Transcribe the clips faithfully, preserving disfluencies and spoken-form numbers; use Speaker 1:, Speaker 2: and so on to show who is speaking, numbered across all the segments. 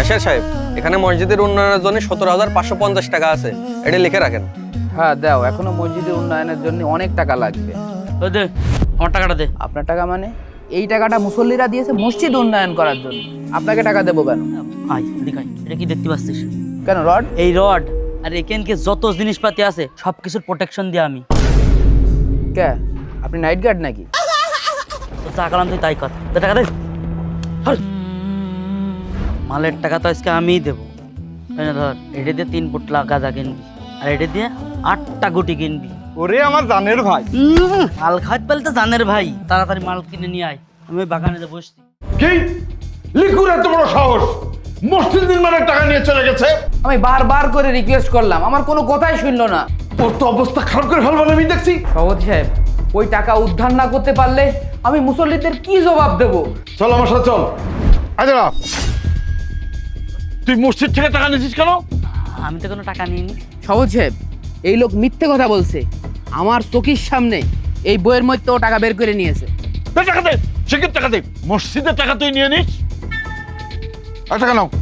Speaker 1: Cashier সাহেব, এখানে মসজিদের উন্নয়নের জন্য সতেরো হাজার পাঁচশো পঞ্চাশ টাকা আছে, এটা লিখে রাখেন।
Speaker 2: হ্যাঁ দাও, এখনো মসজিদের উন্নয়নের জন্য অনেক টাকা লাগবে।
Speaker 3: ওই দে আমার টাকাটা দে।
Speaker 2: আপনার টাকা মানে? এই টাকাটা মুসল্লিরা দিয়েছে মসজিদ উন্নয়ন করার জন্য, আপনাকে টাকা দেবো কেন?
Speaker 3: আয় এদিকে আয়। এটা কি দেখতে পাচ্ছিস?
Speaker 2: কেন রড?
Speaker 3: এই রড আর এখানকে যত জিনিসপাতি আছে সব কিছুর প্রোটেকশন দিয়ে আমি।
Speaker 2: কে আপনি নাইট গার্ড নাকি?
Speaker 3: তো যা করলাম তুই তাই কর। দে টাকা দে। ধর। মালের টাকা তো আজকে আমিই দেবো। এই নে ধর, এটা দিয়ে তিন ফুট গাঁজা কিনবি আর এটা দিয়ে আটটা গুটি কিনবি।
Speaker 4: ওরে আমার জানের ভাই,
Speaker 3: উম, মাল খাইতে পারলে তো জানের ভাই, তাড়াতাড়ি মাল কিনে নিয়ে আয়। আমি ওই বাগানে বসছি।
Speaker 4: কি লিকুর এত বড় সাহস, মসজিদ নির্মাণের টাকা নিয়ে চলে গেছে।
Speaker 2: আমি বারবার করে রিকোয়েস্ট করলাম, আমার কোনো কথাই শুনলো না।
Speaker 4: ওর তো অবস্থা খারাপ করে ফেলবার আমি দেখছি।
Speaker 2: সভাপতি সাহেব, ওই টাকা উদ্ধার না করতে পারলে আমি মুসল্লিদের কি জবাব দেব?
Speaker 4: চল আমার সাথে চল। আচ্ছা তুই মসজিদ থেকে টাকা নিয়েছিস কেন?
Speaker 3: আমি তো কোনো টাকা নিইনি।
Speaker 2: সভাপতি সাহেব, এই লোক মিথ্যে কথা বলছে। আমার চোখের সামনে এই বইয়ের মধ্যে ও টাকা বের করে নিয়েছে।
Speaker 4: দে টাকা দে, শিখের টাকা দে। মসজিদের টাকা তুই নিয়ে নিস। আর টাকা নাও।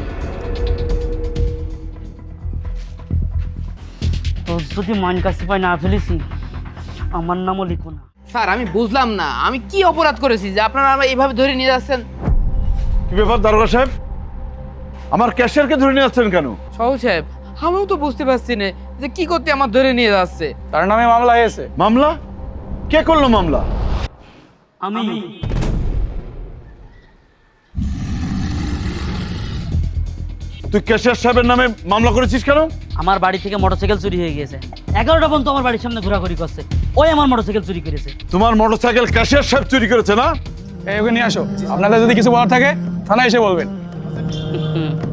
Speaker 3: তো যদি মান কাছে পাই না ফেলেছি, আমার নামও লিখো না।
Speaker 2: স্যার আমি বুঝলাম না, আমি কি অপরাধ করেছি যে আপনারা আমার এইভাবে ধরে নিয়ে যাচ্ছেন?
Speaker 4: কি ব্যাপার দারোগা সাহেব, আমার ক্যাশিয়ারকে ধরে নিয়ে যাচ্ছেন কেন?
Speaker 2: সভাপতি সাহেব, আমিও তো বুঝতে পারছি না যে কি করতে আমার ধরে নিয়ে যাচ্ছে।
Speaker 5: তার নামে মামলা হয়েছে।
Speaker 4: মামলা? কে করলো মামলা?
Speaker 3: আমি।
Speaker 4: তুই ক্যাশিয়ার সাহেবের নামে মামলা করেছিস কেন?
Speaker 3: আমার বাড়ি থেকে মোটরসাইকেল চুরি হয়ে গেছে। এগারোটা পর্যন্ত আমার বাড়ির সামনে ঘোরাঘুরি করছে। ওই আমার মোটরসাইকেল চুরি করেছে।
Speaker 4: তোমার মোটরসাইকেল ক্যাশিয়ার সাহেব চুরি করেছে না?
Speaker 5: এই ওকে নিয়ে আসো, আপনাদের যদি কিছু বলার থাকে থানায় এসে বলবেন।